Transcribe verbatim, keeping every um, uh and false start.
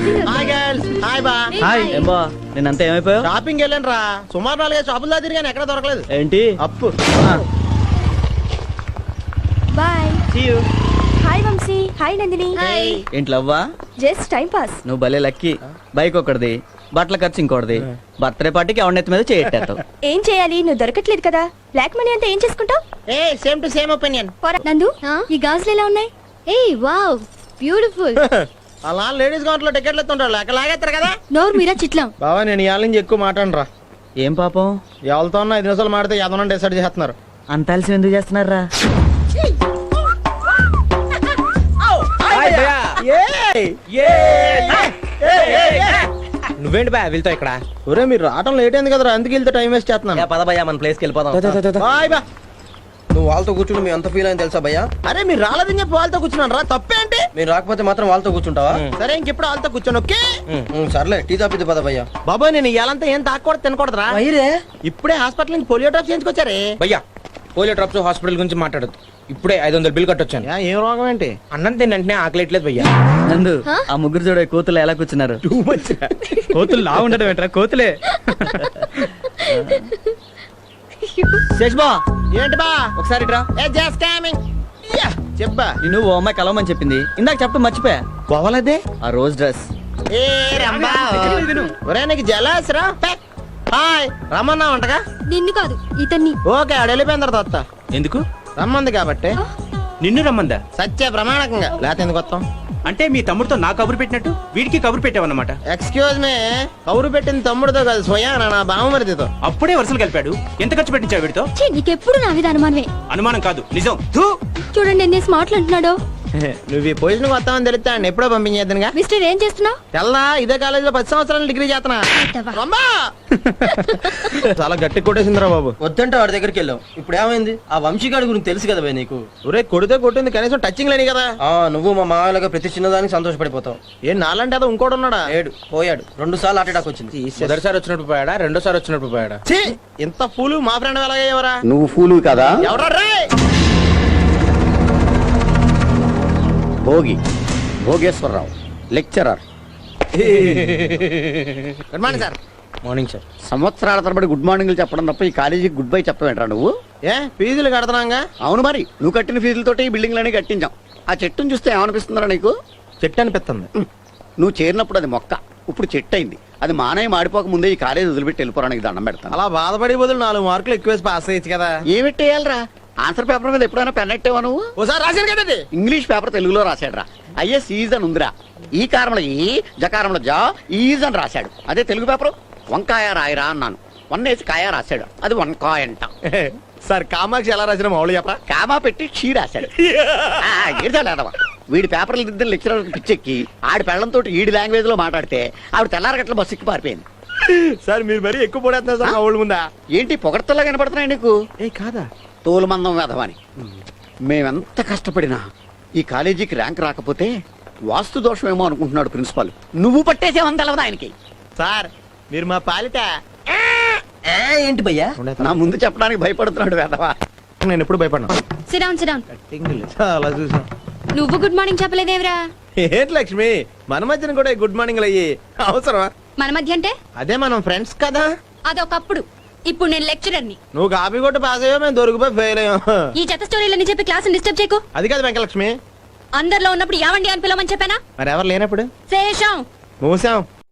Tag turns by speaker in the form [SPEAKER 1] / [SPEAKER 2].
[SPEAKER 1] Hi girls hi బా
[SPEAKER 2] hi ఏం బా నేనంతా ఏమైపోయావు?
[SPEAKER 1] షాపింగ్ వెళ్ళాను రా సుమారు నాలుగైదు షాపులు తిరిగాను ఎక్కడ దొరకలేదు.
[SPEAKER 2] ఏంటి
[SPEAKER 1] Appu
[SPEAKER 3] bye.
[SPEAKER 2] See you.
[SPEAKER 3] Hi Vamshi. Hi Nandini.
[SPEAKER 1] Hi.
[SPEAKER 2] ఏంటి లవ్వా?
[SPEAKER 3] Just time pass.
[SPEAKER 2] నువ్వు భలే లక్కీ. బైక్ ఒకటిది, బట్టల ఖర్చు ఇంకోటిది, బర్త్డే పార్టీకి ఎవరినెత్తి మీద చేయట్టావు.
[SPEAKER 3] ఏం చేయాలి, నువ్వు దొరకట్లేదు కదా. బ్లాక్ మనీ అంతా ఏం చేసుకుంటావు?
[SPEAKER 1] ఏ same to same opinion.
[SPEAKER 3] Nandu, ఈ గాజులు ఎలా ఉన్నాయి? ఏ వావ్ బ్యూటిఫుల్.
[SPEAKER 1] అలా లేడీస్ కౌంటర్ లో టికెట్లు ఎత్తుంటారు అక్కడ లాగేస్తారు కదా.
[SPEAKER 3] నోరు మీరా చిట్లం.
[SPEAKER 1] బావా నేను ఇవాళ నుంచి ఎక్కువ మాట్లాడను రా.
[SPEAKER 2] ఏం పాపం
[SPEAKER 1] ఎవరితో ఉన్నా ఐదు నిమిషాలు మాడితే యాదవ్ డిసైడ్ చేస్తున్నారు.
[SPEAKER 2] అంత అలసి ఎందుకు చేస్తున్నారా?
[SPEAKER 4] నువ్వేంటి బా వెళ్తా ఇక్కడ?
[SPEAKER 1] ఒరే మీరు రావటం లేట్ అయింది కదరా, అందుకు వెళ్తే టైం వేస్ట్ చేస్తున్నాను.
[SPEAKER 4] పద భయ్యా మన ప్లేస్కి వెళ్ళిపోదాం.
[SPEAKER 1] బాయ్ బా.
[SPEAKER 5] నువ్వు వాళ్ళతో కూర్చుని మీ అంత ఫీల్ అయింది తెలుసా భయ్యా?
[SPEAKER 1] అరే మీరు రాలేదని చెప్పి వాళ్ళతో కూర్చున్నాను రా, తప్పేంటి?
[SPEAKER 5] మీరు రాకపోతే మాత్రం వాళ్ళతో కూర్చుంటావా?
[SPEAKER 1] సరే ఇంకెప్పుడు వాళ్ళతో కూర్చోను. ఓకే
[SPEAKER 5] ఉమ్, సర్లే టీ తాపిద్ది పద భయ్యా.
[SPEAKER 1] బాబాయ్ నేను ఇవాళంతా ఏం తాకూడదు తినకూడదురా. ఇప్పుడే హాస్పిటల్ నుంచి పోలియో డ్రాప్ చేయించుకొచ్చారే.
[SPEAKER 4] భయ్యా పోలియో డ్రాప్స్ హాస్పిటల్ గురించి మాట్లాడద్దు. ఇప్పుడే ఐదు వందలు బిల్ కట్టొచ్చాను.
[SPEAKER 1] యా, ఏం రోగం ఏంటి?
[SPEAKER 4] అన్నం తిన్నంటే ఆకలేట్లేదు భయ్యా.
[SPEAKER 2] నందు ఆ ముగ్గురు చూడ కోతులు ఎలా కూర్చున్నారు? కోతులు లా ఉండడం ఏంట్రా, కోతులే. శేష్బా
[SPEAKER 1] ఏంటి బా?
[SPEAKER 2] ఒకసారి రా.
[SPEAKER 1] ఏ జస్ట్ కమింగ్. యా చెప్పా.
[SPEAKER 2] నేను ఓ అమ్మాయి కలవమని చెప్పింది, ఇందాక చెప్పడం మర్చిపోయా.
[SPEAKER 1] పోవాలదే
[SPEAKER 2] ఆ రోజ్ డ్రెస్.
[SPEAKER 1] ఏ రంబా ఒరే నీకు జలస్ రా. పెక్. హాయ్ రమ్మన్నా ఉంటగా.
[SPEAKER 3] నిన్ను కాదు ఇతన్ని.
[SPEAKER 1] ఓకే ఆడ వెళ్ళిపోయిన తర్వాత వస్తా.
[SPEAKER 4] ఎందుకు?
[SPEAKER 1] రమ్మంది కాబట్టి.
[SPEAKER 4] నిన్ను రమ్మందా?
[SPEAKER 1] సత్య ప్రమాణకంగా లేకపోతే ఎందుకు వస్తాం?
[SPEAKER 4] అంటే మీ తమ్ముడితో నా కబురు పెట్టినట్టు వీడికి కబురు పెట్టావన్నమాట.
[SPEAKER 1] ఎక్స్క్యూజ్ మీ, కౌరు పెట్టింది తమ్ముడితో కాదు స్వయాన నా బావమరిదితో.
[SPEAKER 4] అప్పుడే వరుసలు కలిపాడు. ఎంత ఖర్చు పెట్టించావు వీడితో?
[SPEAKER 3] ఛీ, నీకెప్పుడు నా మీద అనుమానమే.
[SPEAKER 4] అనుమానం కాదు నిజం. ధూ.
[SPEAKER 3] చూడండి ఎన్ని మాటలు అంటున్నాడో.
[SPEAKER 1] నువ్వు ఈ పొజిషన్ వస్తావని తెలిస్తే ఆయన ఎప్పుడో పంపించేద్దనుగా.
[SPEAKER 3] మిస్టర్ ఏం చేస్తున్నావు?
[SPEAKER 1] తెల్లా ఇదే కాలేజీలో పది సంవత్సరాలు డిగ్రీ చేస్తున్నా. రమ్మా. చాలా గట్టి కొట్టేసిందిరా బాబు.
[SPEAKER 5] వద్దంటే వాడి దగ్గరికి వెళ్ళాం. ఇప్పుడు ఏమైంది? ఆ వంశీగాడి గురించి తెలుసు కదా భయ్ నీకు.
[SPEAKER 1] ఒరే కొడితే కొట్టింది కనీసం టచింగ్ లేని కదా.
[SPEAKER 5] ఆ నువ్వు మా మామయ్యలాగా ప్రతి చిన్నదానికి సంతోషపడిపోతావు.
[SPEAKER 1] ఏం నాలంటే అదో ఇంకోటి ఉన్నాడా?
[SPEAKER 5] ఏడు పోయాడు. రెండు సార్లు హార్ట్ అటాక్ వచ్చింది.
[SPEAKER 4] మొదటిసారి వచ్చినప్పుడు పోయాడా, రెండోసారి వచ్చినప్పుడు పోయాడా?
[SPEAKER 1] ఛీ, ఇంత ఫూలు మా ఫ్రెండ్ ఎలాగయ్యేవరా?
[SPEAKER 6] నువ్వు ఫూలు కదా.
[SPEAKER 1] ఎవరా రే?
[SPEAKER 6] Bhogi Bhogeswararao lecturer.
[SPEAKER 1] Good morning sir.
[SPEAKER 4] Morning sir.
[SPEAKER 6] సంవత్సరాల తరబడి గుడ్ మార్నింగ్లు చెప్పడం తప్ప ఈ కాలేజీకి గుడ్ బై చెప్పవేంట్రా నువ్వు?
[SPEAKER 1] ఏ ఫీజులు కడుతున్నాగా?
[SPEAKER 6] అవును మరి, నువ్వు కట్టిన ఫీజులతోటి ఈ బిల్డింగ్లన్నీ కట్టించాం. ఆ చెట్టును చూస్తే ఏమనిపిస్తుందిరా నీకు?
[SPEAKER 1] చెట్టు అనిపిస్తుంది.
[SPEAKER 6] నువ్వు చేరినప్పుడు అది మొక్క, ఇప్పుడు చెట్టు అయింది. అది మానయ్య మాడిపోక ముందే ఈ కాలేజీ వదిలిపెట్టి వెళ్ళిపోవడానికి దండం పెడతాను.
[SPEAKER 1] అలా బాధపడి బదులు నాలుగు మార్కులు ఎక్కువ వేసి పాస్ అయ్యచ్చు కదా.
[SPEAKER 6] ఏమిట్టేయాలరా? ఆన్సర్ పేపర్ మీద ఎప్పుడైనా పెన్ ఎట్టేవా నువ్వు?
[SPEAKER 1] ఓసారి రాశాను కదా అది.
[SPEAKER 6] ఇంగ్లీష్ పేపర్ తెలుగులో రాశాడురా. ఐఎస్ ఈజ్ అని ఉందిరా. ఈ కారంలో ఈ జకారంలో జా ఈజ్ అని రాశాడు. అదే తెలుగు పేపర్ వంకాయ రాయరా అన్నాను, వన్ వేసి కాయ రాశాడు. అది వంకాయ అంట.
[SPEAKER 1] సార్ కామాక్షి ఎలా రాసిన మామూలు చెప్పరా?
[SPEAKER 6] కామా పెట్టి షీ రాశాడు. ఏదవా వీడి పేపర్లు దిద్దిన లెక్చరర్ పిచ్చెక్కి ఆడి పెళ్లంతో ఈడి లాంగ్వేజ్ లో మాట్లాడితే ఆవిడ తెల్లారగట్ల బస్సు ఎక్కి పారిపోయింది.
[SPEAKER 1] సార్ మీరు మరీ ఎక్కువ పొడేస్తున్నారు సార్ మా ఊళ్ళ ముందా.
[SPEAKER 6] ఏంటి పొగడ్తల్లా కనపడుతున్నాయి నీకు?
[SPEAKER 1] ఏ కాదా?
[SPEAKER 6] తోలుమందం వేధవని. మేమెంత కష్టపడినా ఈ కాలేజీకి ర్యాంక్ రాకపోతే వాస్తు దోషమేమో అనుకుంటున్నాడు ప్రిన్సిపాల్. నువ్వు పట్టేసేమని తెలవదు ఆయనకి.
[SPEAKER 1] సార్ మీరు మా పాలిట
[SPEAKER 5] ఏంటి భయ్యా?
[SPEAKER 6] నా ముందు చెప్పడానికి భయపడుతున్నాడు వేధవా.
[SPEAKER 1] నేను ఎప్పుడు భయపడినా.
[SPEAKER 3] Sit down sit down.
[SPEAKER 1] చాలా చూసాం.
[SPEAKER 3] నువ్వు గుడ్ మార్నింగ్ చెప్పలేదేవరా?
[SPEAKER 1] ఏంటి లక్ష్మి మన మధ్యన కూడా గుడ్ మార్నింగ్ అయ్యి అవసరమా?
[SPEAKER 3] మన మధ్య అంటే
[SPEAKER 1] అదే మనం ఫ్రెండ్స్ కదా.
[SPEAKER 3] అదొకప్పుడు. ఇప్పుడు నేను లెక్చరర్ని.
[SPEAKER 1] నువ్వు కాపీ కొట్టి పాస్ అయ్యో మేము దొరికిపోయి ఫెయిల్ అయ్యాం.
[SPEAKER 3] ఈ చెత్త స్టోరీలని చెప్పి క్లాస్ డిస్టర్బ్ చేయకు.
[SPEAKER 1] అది కాదు వెంకలక్ష్మి.
[SPEAKER 3] అందరిలో ఉన్నప్పుడు యావండి అని పిలవమని చెప్పానా?
[SPEAKER 1] మరి ఎవరు లేనప్పుడు
[SPEAKER 3] శేషం
[SPEAKER 1] మూసాం.